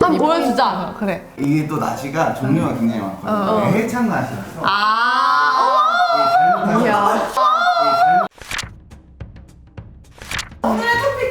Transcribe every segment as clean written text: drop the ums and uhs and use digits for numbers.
한번 보여주자. 그래. 이게 또 나시가 종류가 굉장히 많거든요. 해창 나시라서. 이야. 오늘의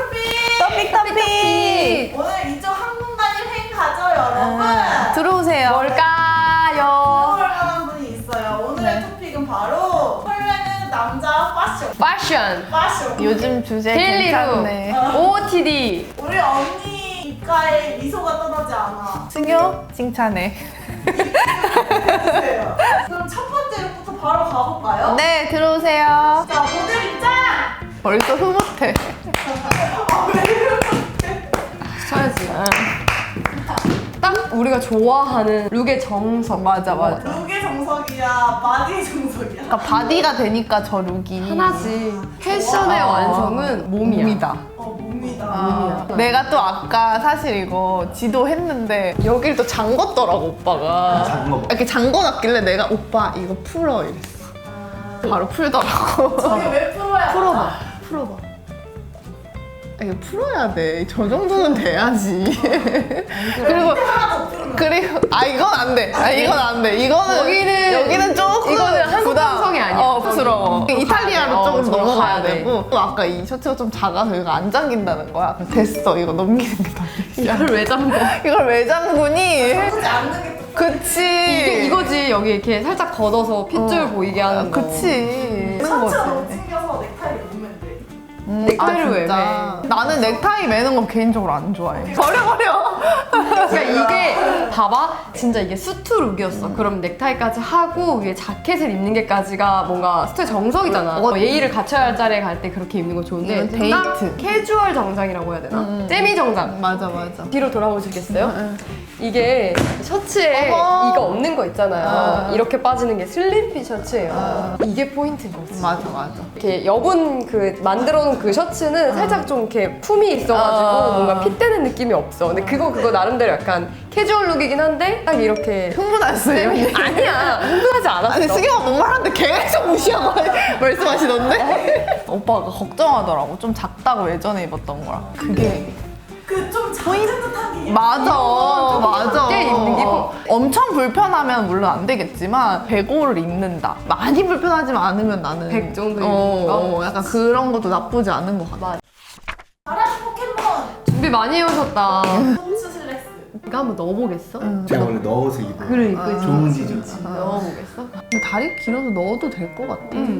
토픽! 오늘 이쪽 항공단일 행 가죠, 여러분? 들어오세요. 뭘까요? 설명한 분이 있어요. 오늘의 토픽은 바로 설레는 남자 패션. 패션. 요즘 주제 데일리룩. 괜찮네. OOTD. 우리 언니 입가에 미소가 떠나지 않아. 승효 칭찬해. 보세요. 그럼 첫 번째 룩부터 바로 가볼까요? 네, 들어오세요. 자, 모델 입장! 벌써 흐뭇해. 왜 이렇게 쳐야지. 딱 우리가 좋아하는 룩의 정석. 맞아. 룩의 정석이야, 바디의 정석이야? 그러니까 바디가 되니까 저 룩이 하나지. 패션의 완성은 몸이야. 몸이다. 내가 또 아까 사실 이거 지도했는데 여길 또 잠궜더라고 오빠가. 잠궈 봐. 이렇게 잠궈놨길래 내가 오빠 이거 풀어 이랬어. 바로 풀더라고. 저게 왜 풀어야 풀어봐. 이거 풀어야 돼. 저 정도는 돼야지. 그리고 이건 안 돼. 이건 안 돼. 여기는 조금 이거는 한국 감성이 아니야. 부러워. 이탈리아로 조금 저로 넘어가야 가야 돼. 되고. 또 아까 이 셔츠가 좀 작아서 이거 안 잠긴다는 거야. 그래서 됐어. 이거 넘기는 게 더 돼. 이걸 왜 잠궈? 이걸 왜 잠그니? 하지 않는 게 그치. 이거지. 여기 이렇게 살짝 걷어서 핏줄 보이게 하는 거. 그치. 셔츠가 너무 찡겨서 넥타이를 못 맨대. 넥타이를 왜 진짜. 나는 넥타이 매는 건 개인적으로 안 좋아해. 버려. 그러니까 이게 봐봐 진짜 이게 수트 룩이었어. 그럼 넥타이까지 하고 위에 자켓을 입는 게까지가 뭔가 스타일 정석이잖아. 예의를 갖춰야 할 자리에 갈 때 그렇게 입는 거 좋은데 이건 딱 데이트. 캐주얼 정장이라고 해야 되나? 세미 정장. 맞아. 뒤로 돌아보시겠어요? 이게 셔츠에 어머. 이거 없는 거 있잖아요. 이렇게 빠지는 게 슬림핏 셔츠예요. 이게 포인트인 거지. 맞아. 이렇게 여분 그 만들어 놓은 그 셔츠는 살짝 좀 이렇게 품이 있어가지고 뭔가 핏되는 느낌이 없어. 근데 그거 나름대로 약간 캐주얼 룩이긴 한데 딱 이렇게 흥분했어요. 아니야 흥분하지 않았어. 아니 승희가 뭔 말하는데 계속 무시하고 말씀하시던데? 오빠가 걱정하더라고. 좀 작다고 예전에 입었던 거랑. 그게 그 좀 작은 듯한 게 맞아. 꽤 입는 게 엄청 불편하면 물론 안 되겠지만 105를 입는다. 많이 불편하지만 않으면 나는 100 정도 입는 거? 약간 그런 것도 나쁘지 않은 것 같아. 맞아. 바라지 포켓몬 준비 많이 해오셨다. 홈스 슬랙스. 이거 한번 넣어보겠어? 제가 원래 넣어서 입어요. 그래 이거 좋은 지죠. 넣어보겠어? 근데 다리 길어서 넣어도 될 것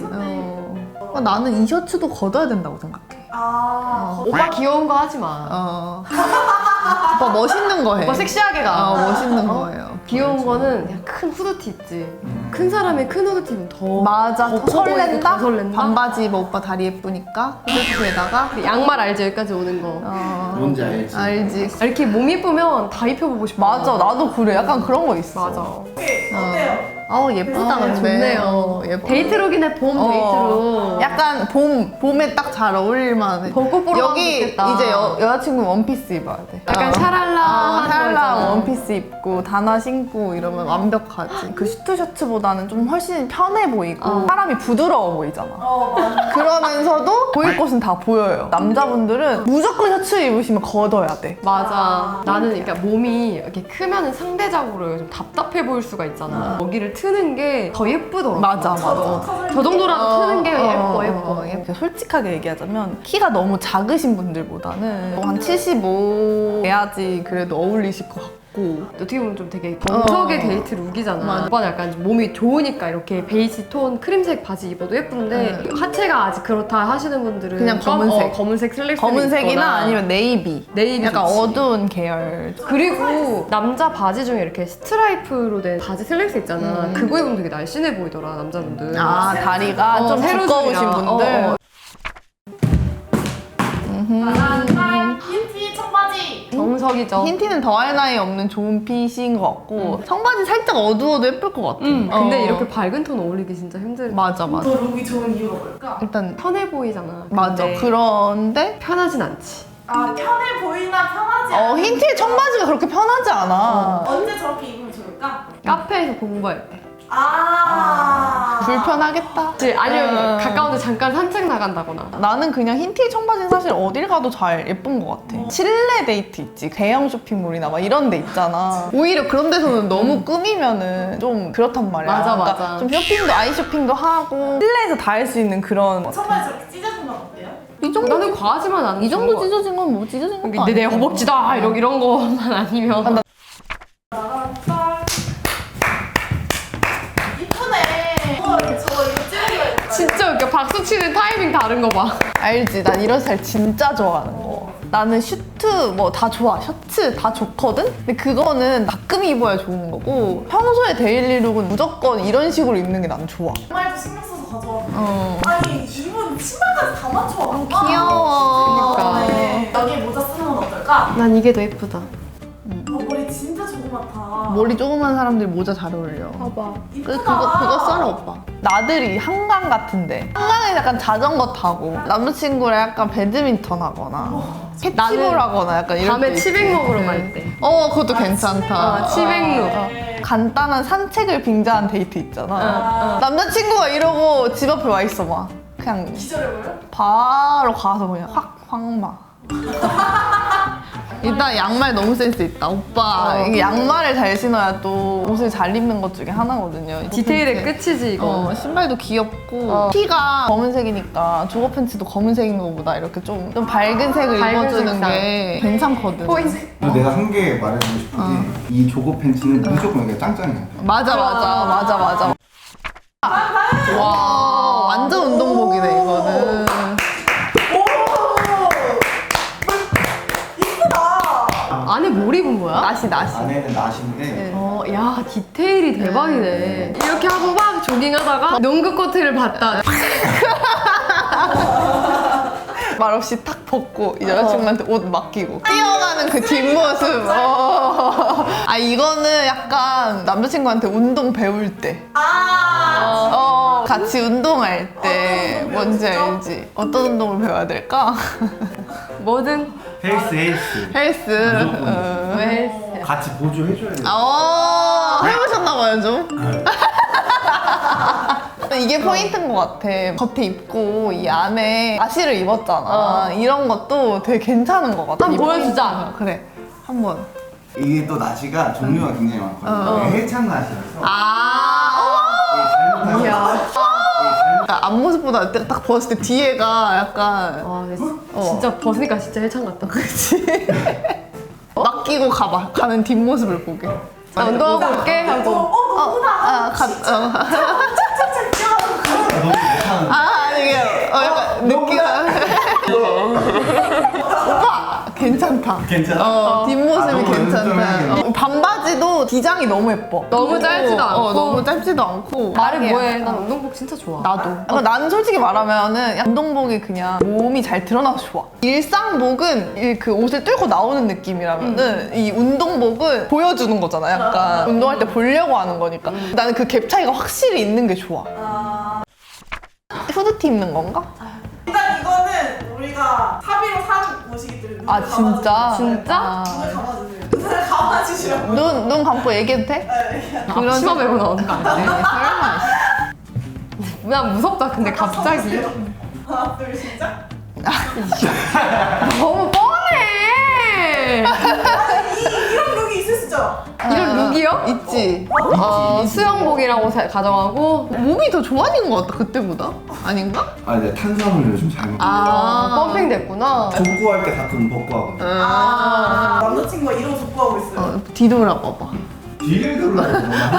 같아. 나는 이 셔츠도 걷어야 된다고 생각해. 오빠 귀여운 거 하지 마. 오빠 멋있는 거 해. 오빠 섹시하게 가. 멋있는 거예요. 귀여운 거는 그냥 큰 후드티 있지. 큰 사람이 큰 후드티 입으면 더 맞아. 더 더 설렌다? 더 설렌다? 반바지 입어 오빠 다리 예쁘니까 후드티에다가 그 양말 알지? 여기까지 오는 거. 뭔지 알지? 알지. 이렇게 몸 예쁘면 다 입혀보고 싶어. 맞아. 나도 그래. 약간 그런 거 있어. 맞아. 어때요? 예쁘다 근데. 좋네요. 예뻐. 데이트룩이네 봄 데이트룩. 약간 봄에 딱 잘 어울릴만 해. 벚꽃 보러 가면 여기 좋겠다. 이제 여자친구 원피스 입어야 돼. 약간 샤랄라 샤랄라 원피스 입고 단화 신고 이러면 완벽하지. 그 슈트 셔츠보다는 좀 훨씬 편해 보이고 사람이 부드러워 보이잖아. 맞아. 그러면서도 보일 곳은 다 보여요. 남자분들은 무조건 셔츠 입으시면 걷어야 돼. 맞아. 나는 그러니까 몸이 이렇게 크면은 상대적으로 좀 답답해 보일 수가 있잖아. 여기를 트는 게 더 예쁘더라고. 맞아. 저 정도라도 트는 게 예뻐. 솔직하게 얘기하자면 키가 너무 작으신 분들보다는 한 75 돼야지 그래도 어울리실 것 같고. 어떻게 보면 좀 되게 정석의 데이트 룩이잖아. 맞아. 오빠는 약간 좀 몸이 좋으니까 이렇게 베이지 톤 크림색 바지 입어도 예쁜데 하체가 아직 그렇다 하시는 분들은 그냥 검은색. 검은색 슬랙스 검은색이나 아니면 네이비. 약간 좋지. 어두운 계열. 그리고 남자 바지 중에 이렇게 스트라이프로 된 바지 슬랙스 있잖아. 그거 입으면 되게 날씬해 보이더라 남자분들. 다리가 좀 세로줄이라. 두꺼우신 분들. 흰티 청바지. 정석이죠. 흰티는 더할 나위 없는 좋은 핏인 것 같고 청바지 살짝 어두워도 예쁠 것 같아. 근데 이렇게 밝은 톤 어울리기 진짜 힘들어. 맞아. 더 룩이 좋은 이유가 뭘까? 일단 편해 보이잖아. 맞아. 근데 그런데 편하진 않지. 편해 보이나 편하지 않아? 흰티 청바지가 그렇게 편하지 않아. 언제 저렇게 입으면 좋을까? 카페에서 공부할 때. 불편하겠다. 아니면 가까운데 잠깐 산책 나간다거나. 나는 그냥 흰 티 청바지는 사실 어딜 가도 잘 예쁜 것 같아. 실내 데이트 있지. 대형 쇼핑몰이나 막 이런 데 있잖아. 오히려 그런 데서는 너무 꾸미면은 좀 그렇단 말이야. 맞아, 그러니까 맞아. 좀 쇼핑도 아이 쇼핑도 하고 실내에서 다 할 수 있는 그런. 청바지 저렇게 찢어지면 어때요? 이 정도 나는 과하지만 않은 이 정도 찢어진 건 뭐 찢어진 것도 근데 내 아니고. 허벅지다 이런 거만 아니면. 이쁘네. 저 이거 찍어야겠다. 진짜 웃겨. 박수 치는 타이밍 다른 거 봐. 알지? 난 이런 스타일 진짜 좋아하는 거. 나는 슈트 뭐 다 좋아. 셔츠 다 좋거든? 근데 그거는 가끔 입어야 좋은 거고 평소에 데일리룩은 무조건 이런 식으로 입는 게 나는 좋아. 정말도 신경 써서 가져왔네. 아니 이분 신발까지 다 맞춰왔구나. 귀여워. 그러니까. 여기 모자 쓰는 건 어떨까? 난 이게 더 예쁘다. 머리 진짜 조그맣다. 머리 조그만 사람들 모자 잘 어울려. 봐봐. 이쁘다. 그거 써라 오빠. 나들이 한강 같은데 한강에 약간 자전거 타고 남자친구랑 약간 배드민턴 하거나 캐치볼 하거나 약간 이런 밤에 데 치맥 있지. 먹으러 네. 갈 때. 그것도 괜찮다. 치맥룩. 간단한 산책을 빙자한 데이트 있잖아. 남자친구가 이러고 집 앞에 와 있어 봐. 그냥 기절해버려? 바로 가서 그냥 확 황마. 일단 양말 너무 센스 있다. 오빠 이게 양말을 잘 신어야 또 옷을 잘 입는 것 중에 하나거든요. 디테일의 끝이지 이거. 신발도 귀엽고 티가 검은색이니까 조거 팬츠도 검은색인 것보다 이렇게 좀 밝은 색을 밝은 입어주는 색상. 게 괜찮거든. 포인트. 그리고 내가 한 개 말해주고 싶은 게 이 조거 팬츠는 무조건 이게 짱짱이야. 맞아. 와 완전 운동복이네 이거는. 안에 뭘 입은 거야? 나시. 안에는 나시인데 야 디테일이 대박이네. 이렇게 하고 막 조깅하다가 농구 코트를 봤다. 말없이 탁 벗고 이 여자친구한테 옷 맡기고 뛰어가는 그 뒷모습. 이거는 약간 남자친구한테 운동 배울 때 같이 운동할 때 뭔지 알지? 어떤 운동을 배워야 될까? 뭐든 헬스 헬스. 왜 같이 보조해줘야 돼. 해보셨나봐요 좀. 이게 포인트인 것 같아. 겉에 입고 이 안에 나시를 입었잖아. 이런 것도 되게 괜찮은 것 같아. 한번 이 보여주자. 포인트가. 그래 한번. 이게 또 나시가 종류가 굉장히 많거든요. 헬창 나시라서 이야. 이게 그러니까 앞모습보다 딱 벗을 때 뒤에가 약간 와 근데 진짜 벗으니까 진짜 헬창 같다. 그치? 맡기고 가는 뒷모습을 보게. 나 운동하고 올게 하고. 착착착 뛰어가는 이게 약간 느끼가. 오빠 괜찮다. 괜찮아? 뒷모습이 너무 괜찮다. 연습을 반바지도 기장이 너무 예뻐. 너무 짧지도 않고. 너무 짧지도 않고. 말은 이게 뭐해? 약간- 난 운동복 진짜 좋아. 나도. 나는 솔직히 말하면은 운동복이 그냥 몸이 잘 드러나서 좋아. 일상복은 그 옷을 뚫고 나오는 느낌이라면은 이 운동복은 보여주는 거잖아. 약간 운동할 때 보려고 하는 거니까. 나는 그 갭 차이가 확실히 있는 게 좋아. 후드티 입는 건가? 일단 이거는 우리가 사비로 산 옷이기 때문에 눈을 진짜? 진짜? 눈을 감아주세요. 눈을 감아주시라고. 눈 감고 얘기해도 돼? 그런 앞치마 메고 나오는 거 아니야? 설마. 난 무섭다. 근데 갑자기 하나 둘 시작. 너무 뻔해. 이런 룩이 있을 수 있죠? 이런 룩이요? 있지. 수영복이랑 옷 가져가고. 몸이 더 좋아진 것 같다 그때보다. 아닌가? 내가 탄수화물 요즘 잘 먹어. 펌핑 됐구나. 족구할 때 가끔 벗고 하거든. 남자친구가 이런 옷 입고 하고 있어요. 뒤돌아봐봐. 뒤를 돌라고.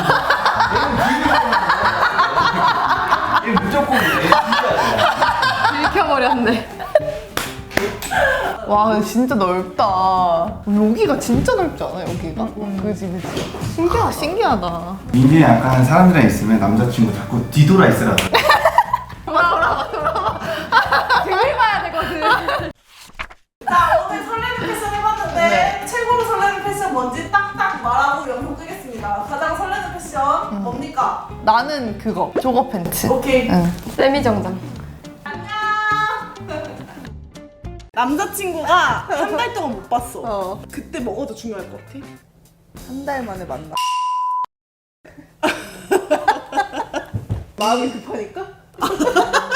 이게 무조건 내 들켜버렸네. 와 근데 진짜 넓다. 여기가 진짜 넓지 않아 여기가? 그지. 신기하다. 민준이 약간 사람들이랑 있으면 남자친구 자꾸 뒤돌아 있으라고. 등을 봐야 되거든. 자 오늘 설레는 패션 해봤는데 최고로 설레는 패션 뭔지 딱딱 말하고 영상 끄겠습니다. 가장 설레는 패션 뭡니까? 나는 그거 조거 팬츠. 오케이. 세미 정장. 안녕. 남자친구가 한 달 동안 못 봤어. 그때 뭐가 더 중요할 것 같아? 한 달 만에 만나. 마음이 급하니까?